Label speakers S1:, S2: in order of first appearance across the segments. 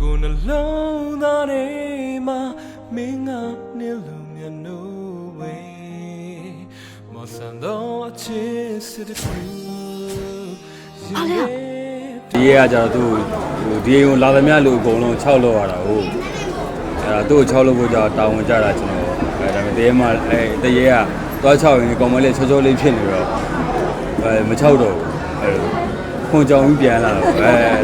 S1: ကိုနှလုံးသားထဲမှာမင်းကနေလို့မြတ်နိုးဝေမဆန်တော့အချစ်စစ်တူ
S2: ဒီရကြတော့သူဒီအိမ်ကိုလာသမျှလူအကုန်လုံး6လောက်ရတာဟုတ်အဲ့ဒါသူ့ကို6လောက်ဖို့ကြာတာဝန်ကြတာကျွန်တော်အဲ့ဒါပေမဲ့တရေမှာတရေကသွား6ရင်ကောင်မလေးချောချောလေးဖြစ်နေတော့မ6တော့ဘူးအဲ့ခွန်ကြောင်ကြီးပြန်လာတော့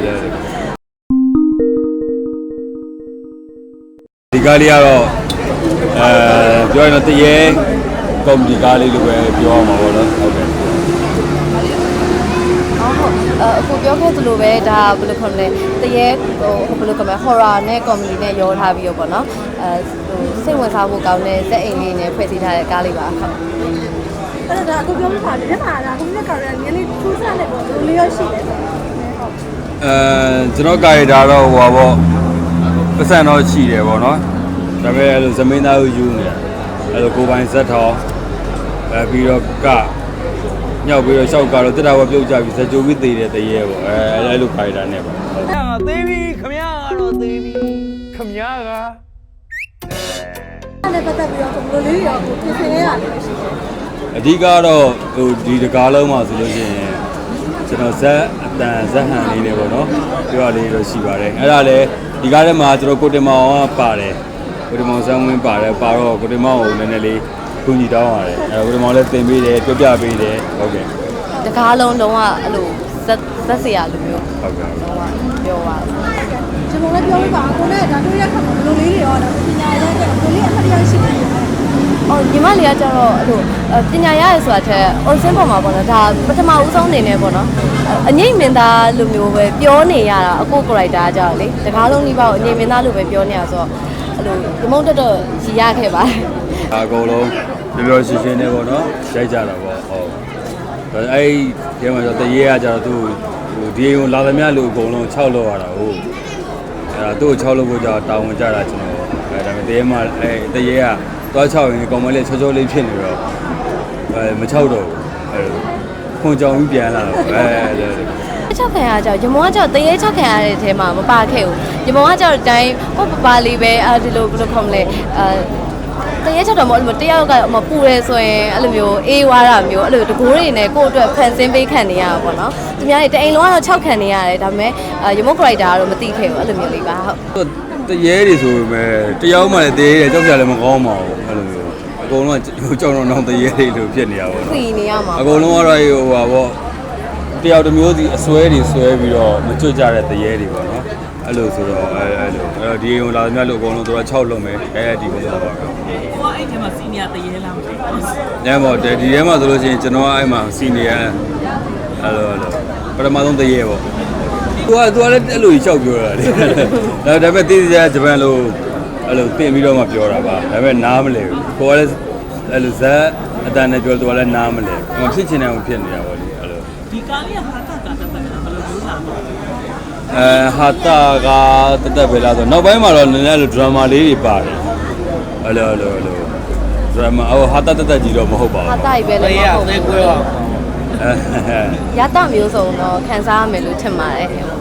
S2: ဒီကားလေးကတော့ပြောရင်တော့တရေကော်မတီကားလေးလိုပဲပြောရမှာပေါ့နော်ဟုတ်ကဲ့
S3: အခုပြောခဲ့သလိုပဲဒါဘယ်လိုခေါ်မလဲတရေဟိုဘယ်လိုခေါ်မလဲ horror နဲ့ comedy နဲ့ရောထားပြီးတော့ပေါ့နော်စိတ်ဝင်စားဖို့ကောင်းတဲ့ဇက်အိမ်လေးနဲ့ဖွဲ့စည်းထားတဲ့ကားလေးပါဟုတ်
S4: အဲ့ဒါအခုပြောပြပါမယ်မှာဒါခုနကကာရနည်းလေးထူးဆန်းတယ်ပေါ့ဘယ်လိုလေးရရှိလဲဆို
S2: ကျွန်တော်ကာရီတာတော့ဟိုပါပေါ့ပတ်စံတော့ရှိတယ်ပေါ့နော်ဒါပေမဲ့အဲ့လိုဇမင်းသားကိုယူနေတယ်အဲ့လိုကိုပိုင်ဇက်ထောင်ပြီးတော့ကညောက်ပြီးတော့ရှောက်ကတော့တက်တာဘပြုတ်ကြပြီးဇကြိုပြီးသေးတယ်တရေပေါ့အဲ့လိုကာရီတာနဲ့ပေါ့
S1: သေးပြီခမရကတော့သေးပြီခမရက
S4: အဲ့ဒါပတ်သက်ပြီးတော့ဘယ်လိုလေးရောပြင်ဆင်ရတာလဲရှိတယ်
S2: အဓိကတော့ဟိုဒီတကားလုံးမှာဆိုလို့ရှိရင်ကျွန်တော်ဇက်အတန်ဇက်ဟန်လေးတွေပေါ့နော်ပြောရလေးတော့ရှိပါတယ်အဲ့ဒါလည်းဒီကားထဲမှာကျွန်တော်ကိုတင်မောင်ကပါတယ်ကိုတင်မောင်ဆန်းဝင်းပါတယ်ပါတော့ကိုတင်မောင်ကိုနည်းနည်းလေးကူညီတောင်းရတယ်အဲ့ကိုတင်မောင်လည်းတင်ပေးတယ်ပြောပြပေးတယ်ဟုတ်ကဲ့
S3: တကားလုံးလုံးဝအဲ့လိုဇက်စရာလိုမျိုး
S2: ဟုတ်ကဲ့
S3: လုံးဝပြောပါ
S4: ကျွန်တော်လည်းပြောပြပါကိုနဲ့ဒါတို့ရက်ခါမှာဘယ်လိုလေးတွေရောဒါပညာရေးတဲ့ဘယ်လိုလေးအမှတ်ရရှိတယ်
S3: အော်ညီမလေးကကျတော့အဲ့လိုပညာရရဆိုတာထက် origin ပေါ်မှာပေါ့နော်ဒါပထမဦးဆုံးအနေနဲ့ပေါ့နော်အငိမ့်မင်းသားလိုမျိုးပဲပြောနေရတာအခု character ကကြောက်လေတကားလုံးဒီပေါ့အငိမ့်မင်းသားလိုပဲပြောနေရဆိုတော့အဲ့လိုဒီမုံတက်တော့ရည်ရခဲ့ပါတယ်
S2: အကုန်လုံးပြောပြောရှင်းရှင်းနဲ့ပေါ့နော်ရိုက်ကြတာပေါ့ဟုတ်အဲ့ဒီမှာတော့တရေကကြတော့သူဒီအိမ်ကိုလာသမျှလူအကုန်လုံး6လောက်ရတာဟုတ်အဲ့ဒါသူ့ကို6လောက်ဖို့ကြာတာဝန်ကြတာကျွန်တော်အဲ့ဒါပေမဲ့တရေမှာတရေကသွား6ရင်ကောင်မလေးချောချောလေးဖြစ်နေတော့မ6တော့ဘူးအဲ့ခွန်ကြောင်ကြီးပြန်လာတော့
S3: 6ခံရကြရမောကကြောက်တရေ6ခံရတဲ့အထဲမှာမပါခဲ့ဘူးရမောကကြောက်တိုင်းဟိုပလေးပဲဒီလိုဘယ်လိုခေါ်မလဲတရေ6တော့မဟုတ်လို့တယောက်ကမပူရဲဆိုရင်အဲ့လိုမျိုးအေးဝါတာမျိုးအဲ့လိုတကိုးတွေနဲ့ကိုယ့်အတွက်ဖန်ဆင်းပေးခံနေရတာပေါ့နော်သူများတွေတအိမ်လုံးကတော့6ခံနေရတယ်ဒါပေမဲ့ရမော character ကတော့မသိခဲ့ဘူးအဲ့လိုမျိုးလေးပါဟုတ်
S2: တရေတွေဆိုပေမဲ့တယောက်မှလည်းတရေတွေကြောက်ကြလည်းမကောင်းပါဘူးအဲ့လိုမျိုးအကုန်လုံးကကြောက်တော့တော့တရေတွေလိုဖြစ်နေရပါတော့
S3: စီနေရမှာ
S2: အကုန်လုံးကတော့ဟိုပါပေါ့တယောက်တစ်မျိုးစီအစွဲတွေဆွဲပြီးတော့မကျွတ်ကြတဲ့တရေတွေပေါ့နော်အဲ့လိုဆိုတော့အဲ့လိုဒီအိမ်လာသမျှလို့အကုန်လုံးတို့က6လုံးပဲဒီပုံစံပါပဲ
S5: ကိုကအဲ့ထဲမှာစီနီယာတရေလားမသိဘူး
S2: ။ညမော်ဒီထဲမှာဆိုလို့ရှိရင်ကျွန်တော်ကအဲ့မှာစီနီယာအဲ့လိုပထမဆုံးတရေပေါ့။သူကလည်းအဲ့လိုကြီးလျှောက်ပြောတာလေ။ဒါပေမဲ့တိတိကျကျဂျပန်လိုအဲ့လိုတင်ပြီးတော့မှပြောတာပါ။ဒါပေမဲ့နားမလဲဘူး။ကိုကလည်းအဲ့လိုဇက်အတန်နဲ့ပြောသူကလည်းနားမလဲ။မဖြစ်ချင်တယ်ဖြစ်နေတာပေါ့လေအဲ့လို
S5: ။ဒီကားလေးကဟာတာကတက်တယ်ဘယ်လိုမျိုးလာမလဲ
S2: ဟာတာကတက်တက်ပဲလားဆိုနောက်ပိုင်းမှာတော့နည်းနည်းအဲ့လိုဒရမာလေးတွေပါတယ်အဲ့လိုဒရမာဟာတာတက်တက်ကြီးတော့မဟုတ်ပါဘူး
S3: ဟာတာကြီးပဲလေမဟုတ်ဘူးရတမျိုးစုံတော့ခံစားရမယ်လို့ထင်ပါတယ်